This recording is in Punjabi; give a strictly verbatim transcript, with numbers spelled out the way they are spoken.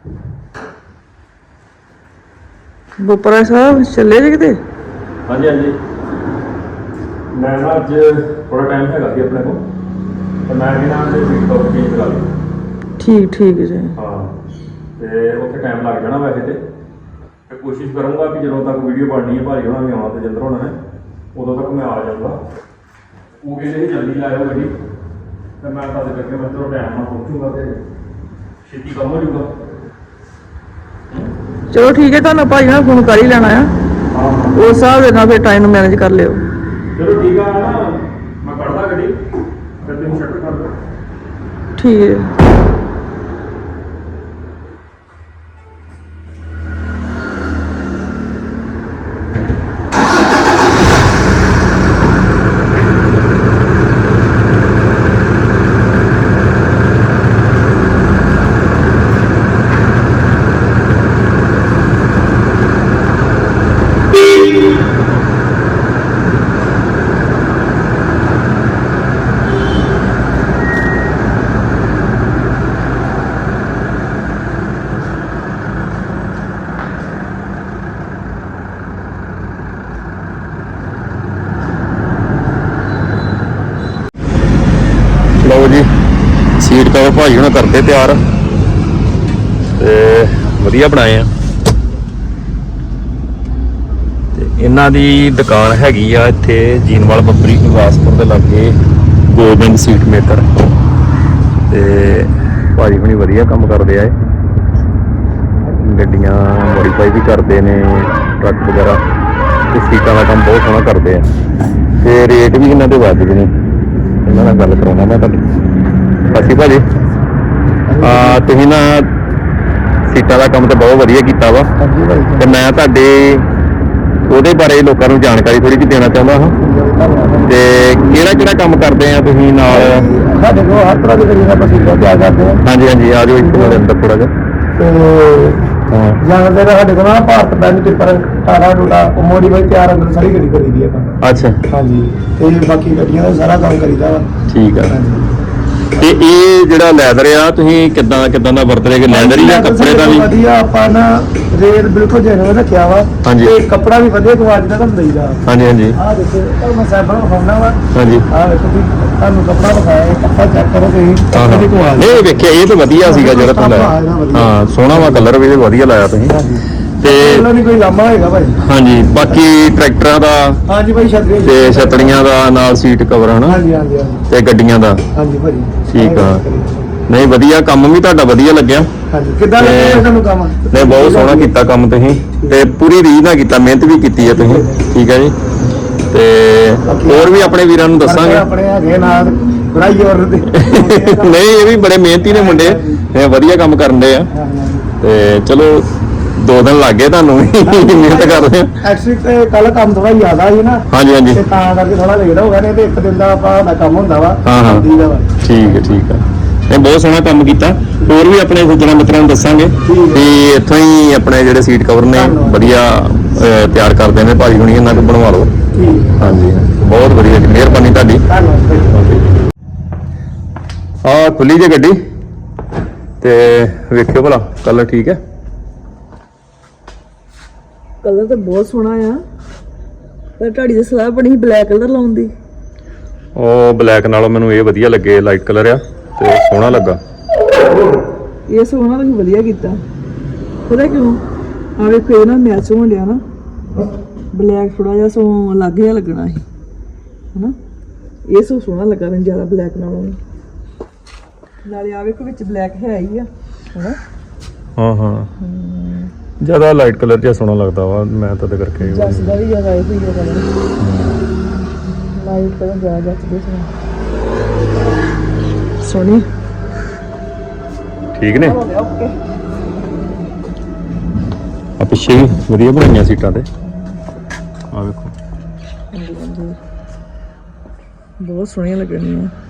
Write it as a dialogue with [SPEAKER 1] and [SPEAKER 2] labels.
[SPEAKER 1] ਬੋਪਰਾ ਸਾਹਿਬ ਚੱਲੇ ਜੇ ਕਿਤੇ?
[SPEAKER 2] ਹਾਂਜੀ ਹਾਂਜੀ ਮੈਂ ਨਾ ਅੱਜ ਥੋੜਾ ਟਾਈਮ ਹੈਗਾ ਸੀ ਆਪਣੇ ਕੋਲ ਤੇ ਮੈਂ ਵੀ ਨਾ ਤੇ ਸੀਟ ਕਵਰ ਚੇਂਜ ਕਰਾ ਲਈ।
[SPEAKER 1] ਠੀਕ ਠੀਕ ਜੀ।
[SPEAKER 2] ਹਾਂ ਤੇ ਉੱਥੇ ਟਾਈਮ ਲੱਗ ਜਾਣਾ ਵੈਸੇ ਤੇ ਤੇ ਕੋਸ਼ਿਸ਼ ਕਰੂੰਗਾ ਕਿ ਜਦੋਂ ਤੱਕ ਵੀਡੀਓ ਬਣਨੀ ਹੈ ਭਾਜੀ ਹੋਣਾ ਵੀ ਆਉਣਾ ਤੇ ਜਿੰਦਰ ਹੋਣਾ ਨੇ ਉਦੋਂ ਤੱਕ ਮੈਂ ਆ ਜਾਊਂਗਾ। ਉਹ ਕਹਿੰਦੇ ਸੀ ਜਲਦੀ ਲਾਇਓ ਗੱਡੀ ਤੇ ਮੈਂ ਤਾਂ ਕਰਕੇ ਮੈਂ ਥੋੜਾ ਟਾਈਮ ਨਾਲ ਪਹੁੰਚੂਗਾ ਤੇ ਛੇਤੀ ਕੰਮ ਹੋ ਜਾਊਗਾ।
[SPEAKER 1] ਚਲੋ ਠੀਕ ਹੈ, ਤੁਹਾਨੂੰ ਭਾਈ ਨਾਲ ਫੋਨ ਕਰ ਹੀ ਲੈਣਾ ਆ।
[SPEAKER 2] ਹਾਂ
[SPEAKER 1] ਉਸ ਹਿਸਾਬ ਦੇ ਨਾਲ ਫਿਰ ਟਾਈਮ ਮੈਨੇਜ ਕਰ ਲਿਓ।
[SPEAKER 2] ਚਲੋ ਠੀਕ ਆ ਨਾ ਮੈਂ ਕੱਢਦਾ ਗੱਡੀ ਫਿਰ ਤੁਸੀਂ ਸ਼ਟਰ ਕਰ ਦਿਓ।
[SPEAKER 1] ਠੀਕ ਹੈ।
[SPEAKER 2] ਲਓ ਜੀ ਸੀਟ ਕਵਰ ਭਾਜੀ ਹੁਣ ਕਰਦੇ ਤਿਆਰ ਤੇ ਵਧੀਆ ਬਣਾਏ ਆ ਤੇ ਇਹਨਾਂ ਦੀ ਦੁਕਾਨ ਹੈਗੀ ਆ ਇੱਥੇ ਜੀਨਵਾਲ ਬੱਬਰੀ ਗੁਰਦਾਸਪੁਰ ਦੇ ਲਾਗੇ ਗੋਬਿੰਦ ਸੀਟ ਮੇਕਰ ਤੇ ਭਾਜੀ ਹੁਣੀ ਵਧੀਆ ਕੰਮ ਕਰਦੇ ਆ ਇਹ ਗੱਡੀਆਂ ਮੋਡੀਫਾਈ ਵੀ ਕਰਦੇ ਨੇ ਟਰੱਕ ਵਗੈਰਾ ਤੇ ਸੀਟਾਂ ਦਾ ਕੰਮ ਬਹੁਤ ਸੋਹਣਾ ਕਰਦੇ ਆ ਤੇ ਰੇਟ ਵੀ ਇਹਨਾਂ ਦੇ ਵਾਜਬ ਨੇ। ਇਹਨਾਂ ਨਾਲ ਗੱਲ ਕਰਾਉਣਾ ਮੈਂ ਤੁਹਾਡੀ। ਅਸੀਂ ਭਾਜੀ ਆ ਤੁਸੀਂ ਨਾ ਸੀਟਾਂ ਦਾ ਕੰਮ ਤਾਂ ਬਹੁਤ ਵਧੀਆ ਕੀਤਾ ਵਾ ਤੇ ਮੈਂ ਤੁਹਾਡੇ ਉਹਦੇ ਬਾਰੇ ਲੋਕਾਂ ਨੂੰ ਜਾਣਕਾਰੀ ਥੋੜੀ ਜਿਹੀ ਦੇਣਾ ਚਾਹੁੰਦਾ ਹਾਂ ਤੇ ਕਿਹੜਾ ਕਿਹੜਾ ਕੰਮ ਕਰਦੇ ਆ ਤੁਸੀਂ ਨਾਲ?
[SPEAKER 3] ਸਾਡੇ ਕੋਲ ਹਰ ਤਰ੍ਹਾਂ ਦੀ ਗੱਡੀਆਂ ਆਪਾਂ ਸੀਟਾਂ ਤਿਆਰ ਕਰਦੇ ਹਾਂ।
[SPEAKER 2] ਹਾਂਜੀ ਹਾਂਜੀ ਆ ਜਾਓ ਇੱਕ ਵਾਰ ਅੰਦਰ ਥੋੜਾ ਜਿਹਾ।
[SPEAKER 3] ਤੇ ਜ਼ਿਆਦਾਤਰ ਸਾਡੇ ਕੋਲ ਨਾ ਭਾਰਤ ਬੈਂਕ ਟਿੱਪਰ ਟਾਰਾ ਟੂਟਾ ਮੋਡੀਫਾਈ ਤਿਆਰ ਅੰਦਰ ਸਾਰੀ ਗੱਡੀ ਕਰੀਦੀ ਹੈ ਆਪਾਂ।
[SPEAKER 2] ਅੱਛਾ
[SPEAKER 3] ਹਾਂਜੀ ਤੇ ਬਾਕੀ ਗੱਡੀਆਂ ਦਾ ਸਾਰਾ ਕੰਮ ਕਰੀਦਾ ਵਾ।
[SPEAKER 2] ਠੀਕ ਆ। ਤੇ ਇਹ ਜਿਹੜਾ ਲੈਦਰ ਆ ਤੁਸੀਂ ਕਿੱਦਾਂ ਕਿੱਦਾਂ ਦਾ ਵਰਤ ਰਹੇ? ਲੈਦਰ ਹੀ ਆ ਕੱਪੜੇ ਦਾ ਵੀ
[SPEAKER 3] ਵਧੀਆ ਆਪਾਂ ਨਾ ਰੇਟ ਬਿਲਕੁਲ ਜੈਨੂਇਨ ਰੱਖਿਆ ਵਾ ਤੇ ਕੱਪੜਾ ਵੀ ਵਧੀਆ ਕੁਆਲਿਟੀ ਦਾ ਤੁਹਾਨੂੰ ਦੇਈਦਾ।
[SPEAKER 2] ਹਾਂਜੀ ਹਾਂਜੀ
[SPEAKER 3] ਆਹ ਦੇਖੋ ਇਹ ਮੈਂ ਸੈਂਪਲ ਵਿਖਾਉਣਾ ਵਾ।
[SPEAKER 2] ਹਾਂਜੀ
[SPEAKER 3] ਆਹ ਦੇਖੋ ਵੀ ਤੁਹਾਨੂੰ ਕੱਪੜਾ ਵਿਖਾਇਆ ਇਹ ਕੱਪੜਾ ਚੈੱਕ ਕਰੋ ਤੁਸੀਂ
[SPEAKER 2] ਹਾਂ
[SPEAKER 3] ਕੁਆਲਿਟੀ।
[SPEAKER 2] ਨਹੀਂ ਵੇਖਿਆ ਇਹ ਤਾਂ ਵਧੀਆ ਸੀਗਾ ਜਿਹੜਾ ਤੁਸੀਂ ਲਾਇਆ। ਹਾਂ ਸੋਹਣਾ ਵਾ ਕਲਰ ਵੀ ਵਧੀਆ ਲਾਇਆ ਤੁਸੀਂ ਤੇ
[SPEAKER 3] ਇਹਨਾਂ ਦੀ ਕੋਈ ਲਾਮਾ ਹੈਗਾ ਭਾਈ।
[SPEAKER 2] ਹਾਂਜੀ ਬਾਕੀ ਟਰੈਕਟਰਾਂ ਦਾ
[SPEAKER 3] ਹਾਂਜੀ ਭਾਈ ਛਤਰੀਆਂ
[SPEAKER 2] ਤੇ ਛਤਰੀਆਂ ਦਾ ਨਾਲ ਸੀਟ ਕਵਰ ਹਨਾ
[SPEAKER 3] ਹਾਂਜੀ ਹਾਂਜੀ ਹਾਂਜੀ
[SPEAKER 2] ਤੇ ਗੱਡੀਆਂ ਦਾ।
[SPEAKER 3] ਹਾਂਜੀ ਭਾਜੀ
[SPEAKER 2] ਠੀਕ ਆ। ਨਹੀਂ ਵਧੀਆ ਕੰਮ ਵੀ ਤੁਹਾਡਾ ਵਧੀਆ ਲੱਗਿਆ।
[SPEAKER 3] ਹਾਂਜੀ ਕਿੱਦਾਂ ਲੱਗਿਆ ਤੁਹਾਨੂੰ ਕੰਮ?
[SPEAKER 2] ਨਹੀਂ ਬਹੁਤ ਸੋਹਣਾ ਕੀਤਾ ਕੰਮ ਤੁਸੀਂ ਤੇ ਪੂਰੀ ਰੀਝ ਨਾਲ ਕੀਤਾ, ਮਿਹਨਤ ਵੀ ਕੀਤੀ ਹੈ ਤੁਸੀਂ। ਠੀਕ ਹੈ ਜੀ ਤੇ ਹੋਰ ਵੀ ਆਪਣੇ ਵੀਰਾਂ ਨੂੰ ਦੱਸਾਂਗੇ।
[SPEAKER 3] ਆਪਣੇ ਹੈਗੇ ਨਾਲ ਬੜਾਈ ਹੋਰ ਦੇ
[SPEAKER 2] ਨਹੀਂ ਇਹ ਵੀ ਬੜੇ ਮਿਹਨਤੀ ਨੇ ਮੁੰਡੇ, ਇਹ ਵਧੀਆ ਕੰਮ ਕਰਨ ਦੇ ਆ ਤੇ ਚਲੋ ਦੋ ਦਿਨ ਲੱਗ ਗਏ ਤੁਹਾਨੂੰ ਵੀ ਮਿਹਨਤ ਕਰਦੇ ਆ।
[SPEAKER 3] ਐਕਚੁਅਲੀ ਤੇ ਕੱਲ ਕੰਮ ਥੋੜਾ ਜ਼ਿਆਦਾ ਸੀ ਨਾ।
[SPEAKER 2] ਹਾਂਜੀ ਹਾਂਜੀ
[SPEAKER 3] ਤੇ ਤਾਂ ਕਰਕੇ ਥੋੜਾ ਲੇਟ ਹੋ ਗਿਆ ਨੇ ਤੇ ਇੱਕ ਦਿਨ ਦਾ ਆਪਾਂ ਦਾ ਕੰਮ ਹੁੰਦਾ ਵਾ।
[SPEAKER 2] ਹਾਂ ਹਾਂ ਠੀਕ ਹੈ ਠੀਕ ਹੈ। ਇਹ ਬਹੁਤ ਸੋਹਣਾ ਕੰਮ ਕੀਤਾ। ਹੋਰ ਵੀ ਆਪਣੇ ਸੱਜਣਾ ਮਿੱਤਰਾਂ ਨੂੰ ਦੱਸਾਂਗੇ ਤੇ ਇੱਥੋਂ ਹੀ ਆਪਣੇ ਜਿਹੜੇ ਸੀਟ ਕਵਰ ਨੇ ਵਧੀਆ ਤਿਆਰ ਕਰਦੇ ਨੇ ਭਾਜੀ ਹੁਣੀ, ਇਹਨਾਂ ਕੋਲ ਬਣਵਾ ਲਓ। ਹਾਂਜੀ ਬਹੁਤ ਵਧੀਆ ਜੀ, ਮਿਹਰਬਾਨੀ ਤੁਹਾਡੀ। ਆ ਖੁੱਲੀ ਜੇ ਗੱਡੀ ਤੇ ਵੇਖਿਓ ਭਲਾ ਕਲਰ ਠੀਕ ਹੈ।
[SPEAKER 1] ਕਲਰ ਤਾਂ ਬਹੁਤ ਸੋਹਣਾ ਆ ਪਰ ਤੁਹਾਡੀ ਦੀ ਸਲਾਹ ਬਣੀ ਬਲੈਕ ਕਲਰ ਲਾਉਣ ਦੀ।
[SPEAKER 2] ਉਹ ਬਲੈਕ ਨਾਲੋਂ ਮੈਨੂੰ ਇਹ ਵਧੀਆ ਲੱਗੇ, ਲਾਈਟ ਕਲਰ ਆ ਤੇ ਸੋਹਣਾ ਲੱਗਾ।
[SPEAKER 1] ਇਹ ਸੋਹਣਾ ਤੁਸੀਂ ਵਧੀਆ ਕੀਤਾ। ਪਤਾ ਕਿਉਂ? ਆ ਵੇਖੋ ਇਹ ਨਾ ਮੈਚ ਹੋਣ ਡਿਆ ਨਾ, ਬਲੈਕ ਥੋੜਾ ਜਿਹਾ ਸੋ ਅਲੱਗ ਜਿਹਾ ਲੱਗਣਾ ਸੀ ਹਨਾ। ਇਹ ਸੋ ਸੋਹਣਾ ਲੱਗਾ ਮੈਨੂੰ ਜ਼ਿਆਦਾ ਬਲੈਕ ਨਾਲੋਂ। ਨਾਲੇ ਆ ਵੇਖੋ ਵਿੱਚ ਬਲੈਕ ਹੈ ਹੀ ਆ ਹਨਾ।
[SPEAKER 2] ਹਾਂ ਹਾਂ ਜ਼ਿਆਦਾ ਲਾਈਟ ਕਲਰ ਜਿਹਾ ਸੋਹਣਾ ਲੱਗਦਾ ਵਾ, ਮੈਂ ਤਾਂ ਕਰਕੇ
[SPEAKER 1] ਜੱਸਦਾ ਵੀ ਜ਼ਿਆਦਾ ਇਹ ਹੀ ਕਲਰ ਲਾਈਟ ਕਲਰ ਜ਼ਿਆਦਾ ਜੱਸਦੇ ਸੋਹਣੀ।
[SPEAKER 2] ਠੀਕ ਨੇ।
[SPEAKER 1] ਓਕੇ
[SPEAKER 2] ਆ ਪਿੱਛੇ ਵੀ ਵਧੀਆ ਬਣਾਈਆਂ ਸੀਟਾਂ ਤੇ ਆ ਵੇਖੋ
[SPEAKER 1] ਬਹੁਤ ਸੋਹਣੀਆਂ ਲੱਗਣੀਆਂ।